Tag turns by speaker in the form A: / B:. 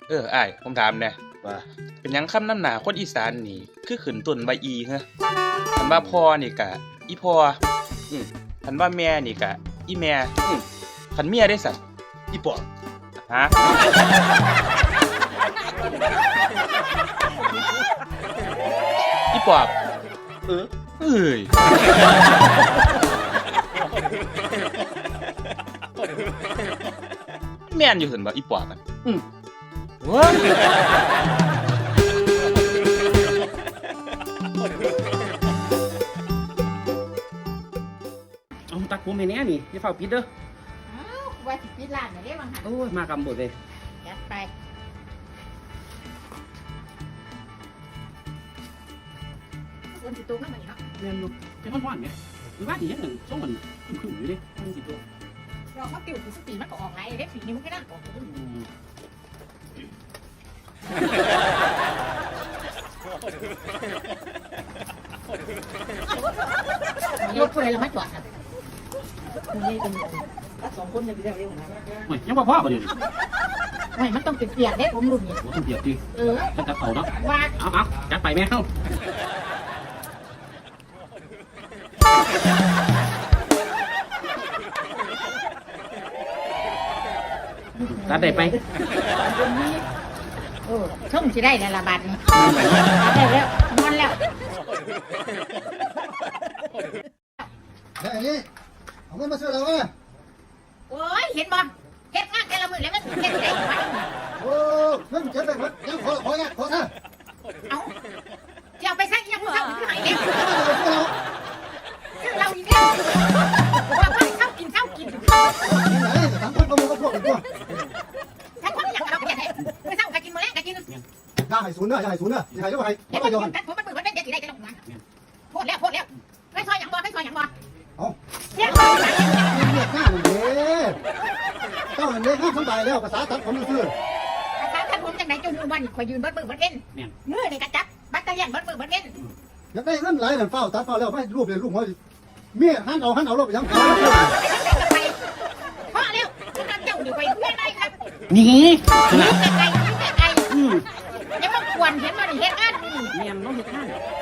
A: อ้ายผมถามแน่
B: ว่า
A: เป็นหยังคำนำหน้าคนอีสานนี่คือขึ้นต้นว่าอีฮะคันว่าพ่อนี่กะอีพ่อคันว่าแม่นี่กะอีแม่คันเมียได้สัตว์
B: อีปอบ
A: ฮะอีปอบเอ้ยแม่นอยู่เห็นบ่อีปอบอ่ะว้า
C: เอาตักผมให้แน่นี่อย่าเฝ้าปิดเด้อ
D: อ้าวว่าสิปิดร้านน่ะเด้บางหัน
C: โอ้ยมากำบดเลย
D: จัดไปคนสิตกนำมันเนาะ
C: เรียนอยู่เป็นวันๆไงมีว่าดีอย่างหนึ่งช่วงมันขึ้นอยู่ดิมันสิตัว
D: เรามาติวสิปีมันก็ออกหลายเด้ปีนี้มันก็น่าออกรถผู้ใดละมาจอดครับนี่เป็นสองคนจะไปได้เร็วนะ
C: โอ้ยยังบ่พอบ่เดี๋ยวนี้
D: ไม่มันต้องเปียกๆเด้ผมรุ่นนี่
C: โอ้ต้องเปียกดิ
D: เออ
C: ต้องจัดเป่าเนาะ
D: ว่า
C: เอาจัดไปแม่เข้าจัดได้ไป
D: ช่องสิได้ในละบาทนี่ได้แล้วนอนแล้ว
B: แล้วอันนี้เอาเงินมาซื้อเราไหม
D: โอ้ยเห็นบ่เฮ็ดงานแต่ละมื้อแล้วมันเฮ็ดได้ไหม
B: โอ้เงินเก็บไปหมดยังขอนะ
D: เอาจะเอาไปใช้ยังมื้อเช้าที่ไหนเนี่ย
B: ซื้อเรา
D: คือเราอีกแล้วว่าไปเช้ากินไหน
B: ทั้งคนประมูลก็พวกอีกตัว
D: ถ้าคนอยากเอาไปไหนมื้อเช้าก็กินมื้อแรกก็กิน
B: อย่าให้ศูนย์เนอะอย่าให้ศูนย์เนอะอย่าให้ด้วย
D: เดี๋ยว
B: ไม่
D: มัน
B: ยอม
D: ผมมันมื้อมันเป็นจะสิได้จะลงมาโพดแล้วไม่ซอยหยังบ่ไม่ซอยหยังบ่
B: เอา
D: เสียง
B: เรียกหน้าหนึ่งเด้เจ้าหนึ่งเด้ห้ามสบายแล้วภาษาตัดผมซื้อ
D: ถ้าผมจังไหนจนวันคอยยืนเบิดมือเบิดเว้นมือนี่กระจับบัตรเลียนเบิดมือเบิดเว้น
B: อยากได้เงินหลายนั่นเฝ้าตัดเฝ้าแล้วไม่รูปเลยรูปเขาเมียหันเอารถไปยัง
D: พ่อเร็วคุณนำเจ้าอยู่ไปเพื่อนได้ครับ
C: นี่
D: ไกลยังไม่ควรเห็นว่าเห็นงาน
C: เมียนน้องเฮ็ดงาน
D: เ